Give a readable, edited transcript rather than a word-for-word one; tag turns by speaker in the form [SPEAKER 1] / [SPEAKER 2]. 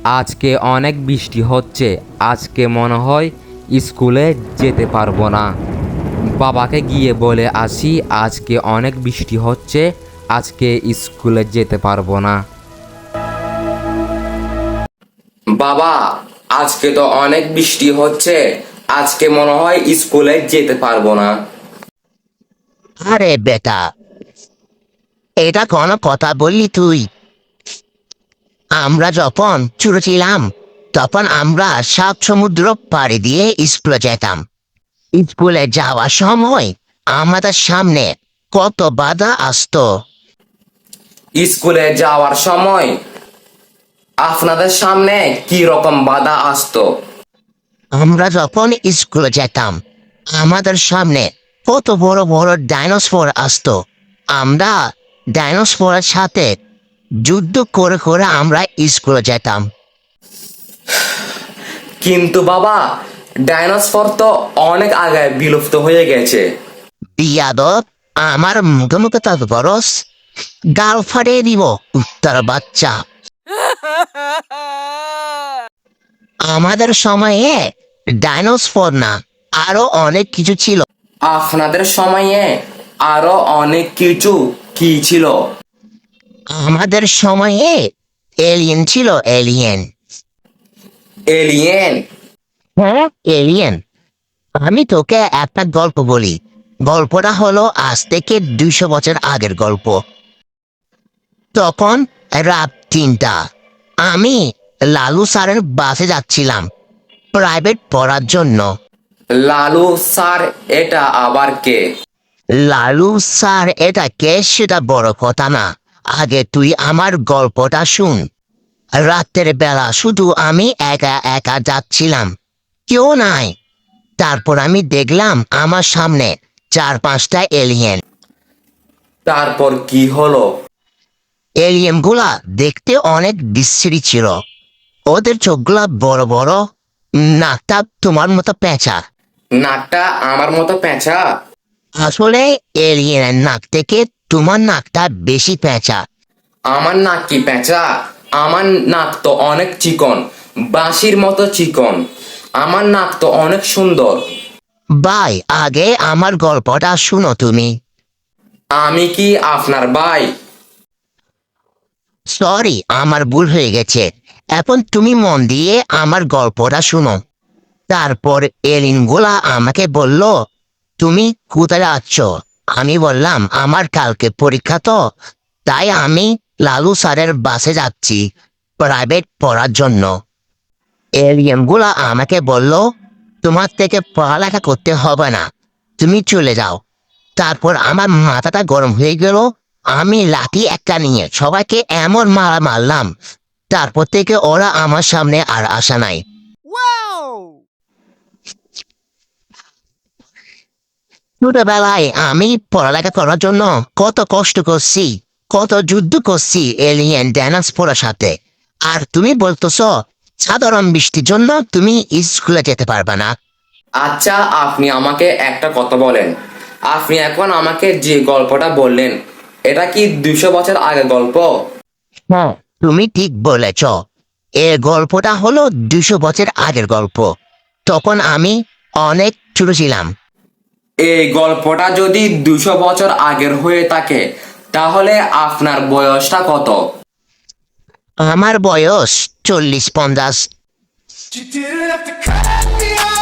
[SPEAKER 1] আজকে অনেক বৃষ্টি হচ্ছে, আজকে মনে হয় স্কুলে যেতে পারবো না। বাবাকে গিয়ে বলে আসি আজকে অনেক বৃষ্টি হচ্ছে, আজকে স্কুলে যেতে পারবো না। বাবা, আজকে তো অনেক বৃষ্টি হচ্ছে, আজকে মনে হয় স্কুলে যেতে পারবো না।
[SPEAKER 2] আরে বেটা, এটা কোনো কথা বললি তুই? আমরা যখন ছোট ছিলাম তখন আমরা সব সমুদ্র পাড়ি দিয়ে স্কুলে যেতাম। স্কুলে যাওয়ার সময় আমাদের সামনে কত বাধা আসতো।
[SPEAKER 1] স্কুলে যাওয়ার সময় আপনাদের সামনে কি রকম বাধা আসতো?
[SPEAKER 2] আমরা যখন স্কুলে যেতাম আমাদের সামনে কত বড় বড় ডাইনোসর আসতো। আমরা ডাইনোসরের সাথে যুদ্ধ করে করে আমরা স্কুলে যেতাম।
[SPEAKER 1] কিন্তু বাবা, ডাইনোসর তো অনেক আগে বিলুপ্ত হয়ে গেছে।
[SPEAKER 2] বিয়াদব, আমার মুখে মুখে তার বরস গাল ফাটিয়ে দিব উত্তর বাচ্চা। আমাদের সময়ে ডাইনোসর না, আরো অনেক কিছু ছিল।
[SPEAKER 1] আপনাদের সময়ে আরো অনেক কিছু কি ছিল?
[SPEAKER 2] আমাদের সময়ে এলিয়েন ছিল, এলিয়েন।
[SPEAKER 1] এলিয়েন?
[SPEAKER 2] হ্যাঁ, এলিয়েন। আমি তোকে একটা গল্প বলি। গল্পটা হলো আজ থেকে 200 বছর আগের গল্প। তখন রাত 3টা। আমি লালু স্যারের বাসে যাচ্ছিলাম প্রাইভেট পড়ার জন্য।
[SPEAKER 1] লালু স্যার এটা আবার কে?
[SPEAKER 2] লালু স্যার এটা কে সেটা বড় কথা না, আগে তুই আমার গল্পটা শুন। রাতের বেলা শুধু আমি একা একা যাচ্ছিলাম, কেউ নাই। তারপর আমি দেখলাম আমার সামনে 4-5টা এলিয়েন।
[SPEAKER 1] তারপর কি হলো?
[SPEAKER 2] এলিয়েনগুলা দেখতে অনেক বিশ্রী ছিল। ওদের চোখগুলা বড় বড়, নাকটা তোমার মতো পেঁচা।
[SPEAKER 1] নাকটা আমার মতো পেঁচা?
[SPEAKER 2] আসলে এলিয়েনের নাক থেকে তোমার নাকটা বেশি পেঁচা।
[SPEAKER 1] আমার নাক কি পেঁচা? আমার নাক তো অনেক চিকন, বাঁশির মতো চিকন। আমার নাক তো অনেক সুন্দর।
[SPEAKER 2] ভাই, আগে আমার গল্পটা শুনো তুমি।
[SPEAKER 1] আমি কি আপনার ভাই?
[SPEAKER 2] সরি, আমার ভুল হয়ে গেছে। এখন তুমি মন দিয়ে আমার গল্পটা শুনো। তারপর এলিয়েনগুলা আমাকে বলল, তুমি কোথায় যাচ্ছ? আমি বললাম আমার কালকে পরীক্ষা তো, তাই আমি লালু স্যারের বাসে যাচ্ছি প্রাইভেট পড়ার জন্য। এলিয়েনগুলা আমাকে বলল, তোমার থেকে পড়ালেখা করতে হবে না, তুমি চলে যাও। তারপর আমার মাথাটা গরম হয়ে গেল। আমি লাঠি একটা নিয়ে সবাইকে এমন মারা মারলাম, তারপর থেকে ওরা আমার সামনে আর আসা নাই। ছোটবেলায় আমি পড়ালেখা করার জন্য কত কষ্ট করছি, কত যুদ্ধ করছি এলিয়েন ডাইনোসরের সাথে। আর তুমি বলতেছ সাধারণ বৃষ্টির জন্য তুমি স্কুলে যেতে পারবে না?
[SPEAKER 1] আচ্ছা, আপনি আমাকে একটা কথা বলেন। আপনি এখন আমাকে যে গল্পটা বললেন, এটা কি 200 বছর আগের গল্প?
[SPEAKER 2] হ্যাঁ, তুমি ঠিক বলেছ। এ গল্পটা হলো 200 বছর আগের গল্প। তখন আমি অনেক ছোট ছিলাম।
[SPEAKER 1] এই গল্পটা যদি 200 বছর আগের হয়ে থাকে, তাহলে আপনার বয়সটা কত?
[SPEAKER 2] আমার বয়স 40-50।
[SPEAKER 3] You didn't have to cut me off.